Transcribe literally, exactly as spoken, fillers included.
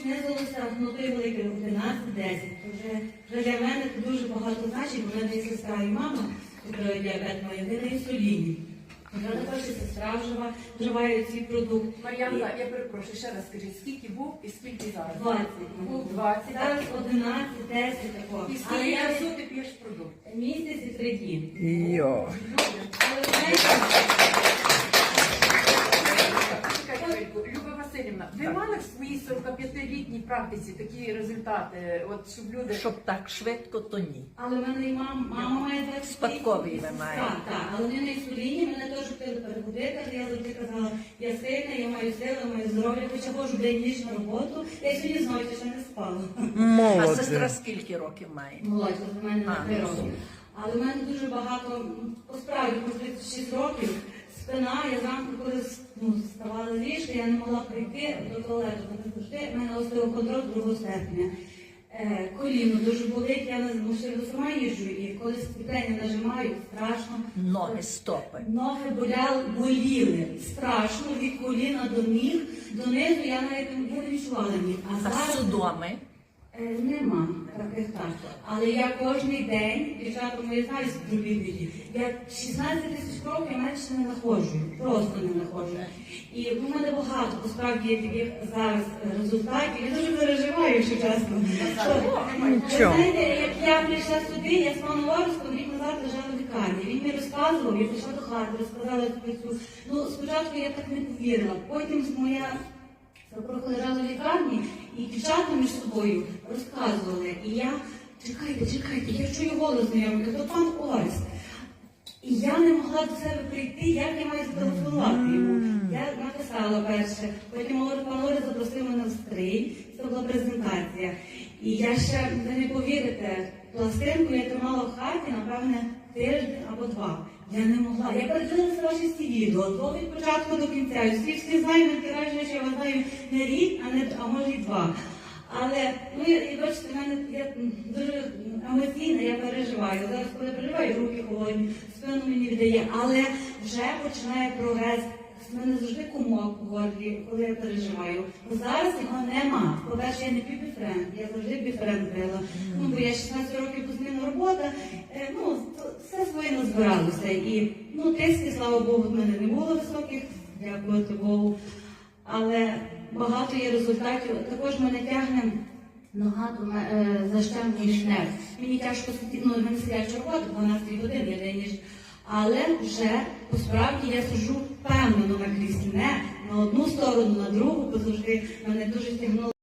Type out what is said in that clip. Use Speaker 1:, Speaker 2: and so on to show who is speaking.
Speaker 1: знизилося, ну той великий одинадцять-десять. Вже, вже для мене це дуже багато значить, бо в мене є сестра і мама, цукровий діабет має, вони на інсуліні. Вже також і сестра вживає, вживає цей продукт.
Speaker 2: Мар'янка, я перепрошую, ще раз скажіть, скільки був і скільки зараз?
Speaker 1: двадцять.
Speaker 2: Був двадцять.
Speaker 1: Зараз одинадцять, десять такого.
Speaker 2: І
Speaker 1: Але
Speaker 2: скільки
Speaker 1: я
Speaker 2: часу ти п'єш продукт?
Speaker 1: місяць і три дні.
Speaker 3: Йо.
Speaker 1: Але знаєте,
Speaker 2: Люба Василівна, ви мали в своїй сорокап'ятилітній практиці такі результати, от щоб люди...
Speaker 3: Щоб так швидко, то ні.
Speaker 1: але в мене і мама, мама має двадцять.
Speaker 3: Спадковий ви маєте.
Speaker 1: Так, так. Але вони на інсуліні, мене теж хотіли переходити, але я завжди казала, я сильна, я маю сили, маю здоров'я, хоча ходжу день ніч на роботу, я сьогодні знову ще не спала.
Speaker 3: А сестра скільки років має?
Speaker 1: Молодша, в мене на
Speaker 3: А,
Speaker 1: три
Speaker 3: ну,
Speaker 1: роки. Але в мене дуже багато, по справі, по тридцять шість років, спина, я зранку, коли ну, вставала з ліжка, я не могла прийти до туалету, не завжди, в мене остеохондроз другого серпня. Е, коліно дуже болить, я на машину сама їжджу, і коли ступені нажимаю, страшно.
Speaker 3: Ноги, стопи.
Speaker 1: Ноги боляли, боліли, страшно, від коліна до ніг, донизу я навіть я не відчувала ніг. А
Speaker 3: А
Speaker 1: зараз
Speaker 3: судоми?
Speaker 1: е, нема таких так. Але я кожен день, дівчата мої знають з відповіді, я шістнадцять тисяч кроків я менше не знаходжу, просто не знаходжу. І в мене багато, насправді, є таких зараз результатів. Я дуже переживаю, якщо чесно. Ви знаєте, як я прийшла сюди, я з паном Ориском рік назад лежала в лікарні. Він мені розказував, я прийшла до хати, розказала про цю. Ну, спочатку я так не повірила, потім моя свекруха лежала в лікарні, і дівчата між собою розказували. І я, чекайте, чекайте, я чую голос знайомий, то пан Орест. І я не могла до себе прийти, як я маю зателефонувати йому. Я написала перше, потім пан Орест запросив мене в стрій, це була презентація. І я ще, ви не повірите, пластинку я тримала в хаті, напевне, тиждень або два. Я не могла. Я передивилася ваші всі відео, то від початку до кінця. І всі всі знають, не тиражі, що я вас знаю не рік, а, не, а може й два. Але, ну, і бачите, в мене я дуже емоційна, я переживаю. Зараз, коли я переживаю, руки холодні, спину мені віддає, але вже починає прогрес. У мене завжди комок в горлі, коли я переживаю. Бо зараз його нема. По-перше, я не п'ю біфрен, я завжди біфрен пила. Ну, бо я шістнадцять років позміна робота, е, ну, все своє назбиралося. І, ну, тиски, слава Богу, в мене не було високих, дякувати Богу. Але багато є результатів. Також мене тягне нога до е, защемний шнек. Мені тяжко сидіти, ну, в мене сидяча робота, дванадцять годин, я день ніж. Але вже, по-справді, я сиджу впевнено на кріслі, не на одну сторону, на другу, бо завжди мене дуже тягнуло.